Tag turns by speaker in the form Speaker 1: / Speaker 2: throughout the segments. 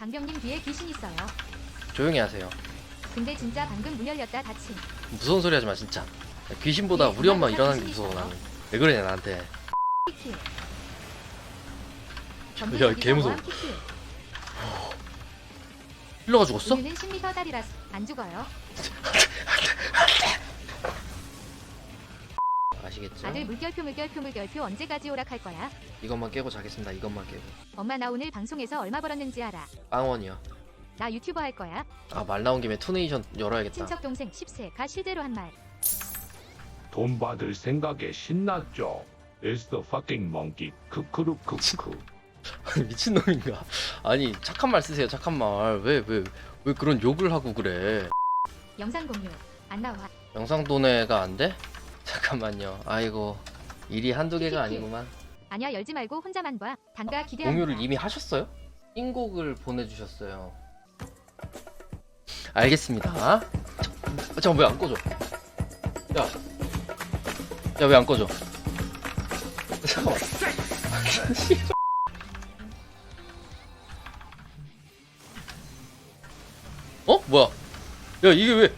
Speaker 1: 강병님 뒤에 귀신 있어요.
Speaker 2: 조용히 하세요.
Speaker 1: 근데 진짜 방금 문 열렸다 닫힘.
Speaker 2: 무서운 소리 하지 마 진짜. 귀신보다
Speaker 1: 네,
Speaker 2: 우리 엄마
Speaker 1: 정말
Speaker 2: 일어나는 게
Speaker 1: 귀신이
Speaker 2: 무서워
Speaker 1: 있어요.
Speaker 2: 나는. 왜 그러냐 나한테.
Speaker 1: 키키.
Speaker 2: 야, 개 무서워. 힐러가 죽었어?
Speaker 1: 우리는 10m 다리라서 안 죽어요.
Speaker 2: 아시겠죠?
Speaker 1: 아들 물결표 언제까지 오락할 거야?
Speaker 2: 이것만 깨고 자겠습니다. 이것만 깨고.
Speaker 1: 엄마 나 오늘 방송에서 얼마 벌었는지 알아.
Speaker 2: 빵원이요.
Speaker 1: 나 유튜버 할 거야.
Speaker 2: 아 말 나온 김에 투네이션 열어야겠다.
Speaker 1: 친척 동생 10세가 실제로 한 말.
Speaker 3: 돈 받을 생각에 신났죠. It's the fucking monkey. 크크루크크.
Speaker 2: 미친놈인가? 아니 착한 말 쓰세요. 착한 말. 왜 그런 욕을 하고 그래?
Speaker 1: 영상 공유 안 나와.
Speaker 2: 영상 도내가 안 돼? 잠깐만요. 아이고 일이 한두 개가 아니구만.
Speaker 1: 아니야 열지 말고 혼자만 봐. 단가 기대한다.
Speaker 2: 공유를 이미 하셨어요? 인곡을 보내주셨어요. 알겠습니다. 잠깐 왜 안 꺼져? 야 왜 안 꺼져? 잠깐만. 어? 뭐야? 야 이게 왜?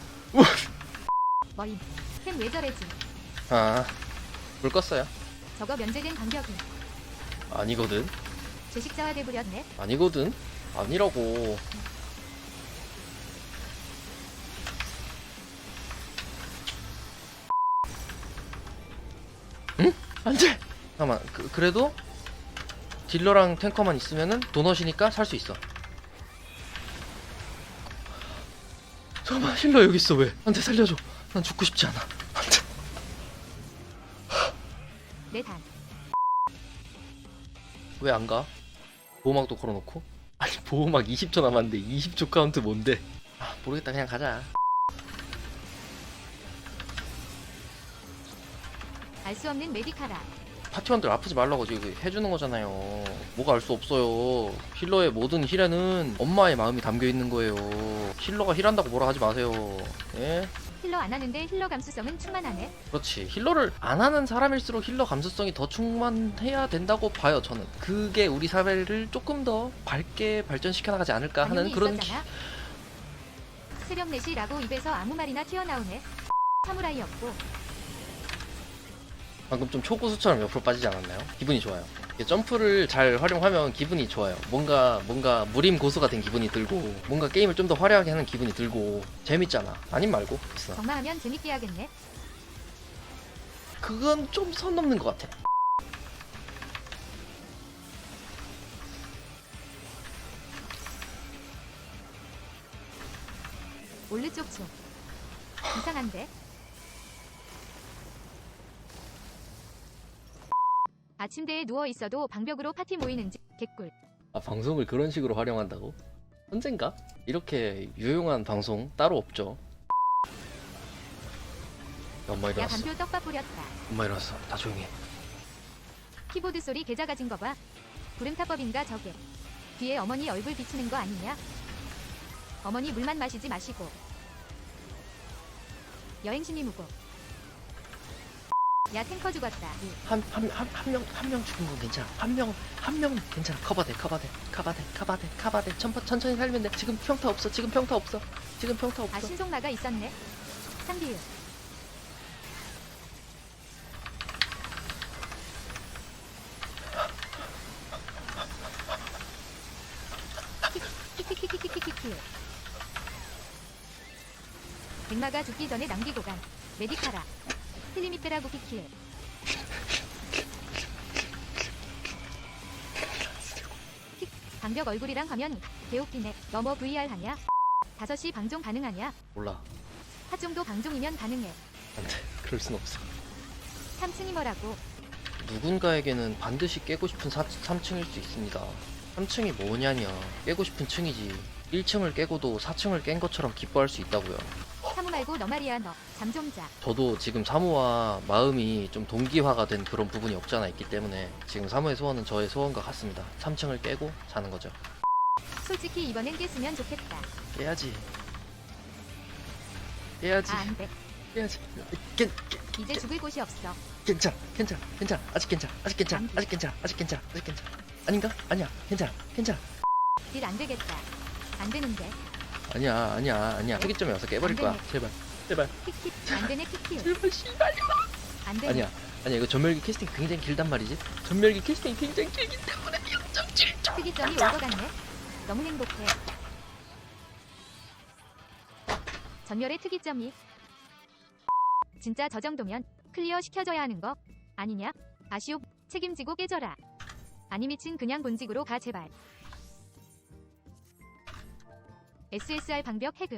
Speaker 1: 머리. 템 왜 저래지?
Speaker 2: 아, 불 껐어요.
Speaker 1: 저거 면제된 간격이.
Speaker 2: 아니거든.
Speaker 1: 제식자화 돼버렸네.
Speaker 2: 아니거든. 아니라고. 응? 안 돼! 잠깐만, 그래도 딜러랑 탱커만 있으면은 도넛이니까 살 수 있어. 잠깐만, 힐러 여기 있어. 왜? 나한테 살려줘. 난 죽고 싶지 않아. 안 돼.
Speaker 1: 내 단.
Speaker 2: 왜 안 가? 보호막도 걸어놓고? 아니, 보호막 20초 남았는데 20초 카운트 뭔데? 아, 모르겠다. 그냥 가자.
Speaker 1: 알 수 없는 메디카라.
Speaker 2: 파티원들 아프지 말라고 지금 해주는 거잖아요. 뭐가 알 수 없어요. 힐러의 모든 힐에는 엄마의 마음이 담겨 있는 거예요. 힐러가 힐한다고 뭐라 하지 마세요. 예?
Speaker 1: 힐러 안 하는데 힐러 감수성은 충만하네.
Speaker 2: 그렇지. 힐러를 안 하는 사람일수록 힐러 감수성이 더 충만해야 된다고 봐요. 저는 그게 우리 사회를 조금 더 밝게 발전시켜 나가지 않을까 하는
Speaker 1: 당연히
Speaker 2: 그런
Speaker 1: 있었잖아. 새벽 4시라고 입에서 아무 말이나 튀어나오네. 사무라이였고.
Speaker 2: 방금 좀 초고수처럼 옆으로 빠지지 않았나요? 기분이 좋아요. 이게 점프를 잘 활용하면 기분이 좋아요. 뭔가 무림 고수가 된 기분이 들고, 뭔가 게임을 좀 더 화려하게 하는 기분이 들고 재밌잖아. 아님 말고 있어.
Speaker 1: 정마하면 재밌게 하겠네.
Speaker 2: 그건 좀 선 넘는 것 같아.
Speaker 1: 올르 쪽쪽. 이상한데? 아침대에 누워 있어도 방벽으로 파티 모이는지 개꿀.
Speaker 2: 아, 방송을 그런 식으로 활용한다고? 언젠가? 이렇게 유용한 방송 따로 없죠. 엄마
Speaker 1: 야
Speaker 2: 일어났어.
Speaker 1: 간표 떡밥 뿌렸다.
Speaker 2: 엄마 일어났어. 다 조용히 해.
Speaker 1: 키보드 소리 개자 가진 거 봐. 구름타법인가 저게. 뒤에 어머니 얼굴 비치는 거 아니냐? 어머니 물만 마시지 마시고. 여행신이 무고. 야 탱커 죽었다.
Speaker 2: 한 명 죽은 건 괜찮아. 한 명 괜찮아. 커버돼. 천천히 살면 돼. 지금 평타 없어.
Speaker 1: 아 신속마가 있었네. 상비유. 키키키키키키키키. 백마가 죽기 전에 낭비고 간 메디카라. 틀림이 빼라고 키킬. 방벽 얼굴이랑 가면 개웃기네. 너뭐 VR 하냐? 5시 방종 가능하냐?
Speaker 2: 몰라.
Speaker 1: 하 정도 방종이면 가능해.
Speaker 2: 안 돼. 그럴 순 없어.
Speaker 1: 3층이 뭐라고?
Speaker 2: 누군가에게는 반드시 깨고 싶은 3층일 수 있습니다. 3층이 뭐냐냐. 깨고 싶은 층이지. 1층을 깨고도 4층을 깬 것처럼 기뻐할 수 있다고요.
Speaker 1: 사무 말고 너 말이야 너. 잠 좀 자.
Speaker 2: 저도 지금 사무와 마음이 좀 동기화가 된 그런 부분이 없지 않아 있기 때문에 지금 사무의 소원은 저의 소원과 같습니다. 3층을 깨고 자는 거죠.
Speaker 1: 솔직히 이번엔 깼으면 좋겠다.
Speaker 2: 깨야지.
Speaker 1: 아 안돼.
Speaker 2: 깨야지.
Speaker 1: 이제 죽을 곳이 없어.
Speaker 2: 괜찮아. 아직 괜찮아. 아닌가? 아니야. 괜찮아.
Speaker 1: 딜 안 되겠다. 안 되는데.
Speaker 2: 아니야. 특이점이 와서 깨버릴 거야. 제발.
Speaker 1: 킥킥 안 되네 킥킥.
Speaker 2: 제발 씨발.
Speaker 1: 안 되네.
Speaker 2: 아니야 이거 전멸기 캐스팅 굉장히 길단 말이지. 전멸기 캐스팅 굉장히 길기 때문에 0.7점.
Speaker 1: 특이점이 올 것 같네. 너무 행복해. 전멸의 특이점이. 진짜 저 정도면 클리어 시켜줘야 하는 거 아니냐? 아쉬움 책임지고 깨져라. 아니 미친 그냥 본직으로 가 제발. SSR 방벽 해금.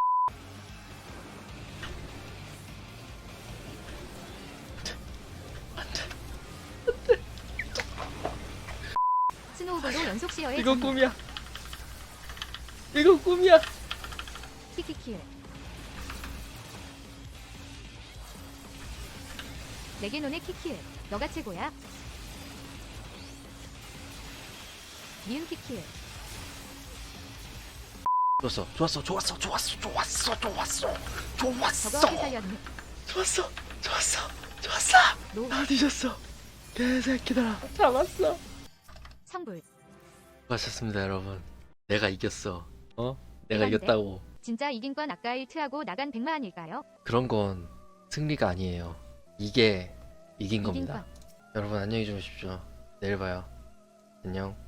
Speaker 1: 스노우볼로 연속 시어의
Speaker 2: 이건 꿈이야. 이건 꿈이야.
Speaker 1: 키키킬. 내게 논의 키킬. 너가 최고야. 니은 키킬.
Speaker 2: 좋았어.
Speaker 1: 저거 어떻게 살렸니?
Speaker 2: 좋았어.
Speaker 1: 노
Speaker 2: 다 뒤졌어. 개새끼들아. 잡았어.
Speaker 1: 성불.
Speaker 2: 수고하셨습니다 여러분. 내가 이겼어. 내가
Speaker 1: 대단한데?
Speaker 2: 이겼다고.
Speaker 1: 진짜 이긴 건 아까 1트하고 나간 100만일까요?
Speaker 2: 그런 건 승리가 아니에요. 이게 이긴
Speaker 1: 이긴
Speaker 2: 겁니다.
Speaker 1: 건.
Speaker 2: 여러분 안녕히 주무십시오. 내일 봐요. 안녕.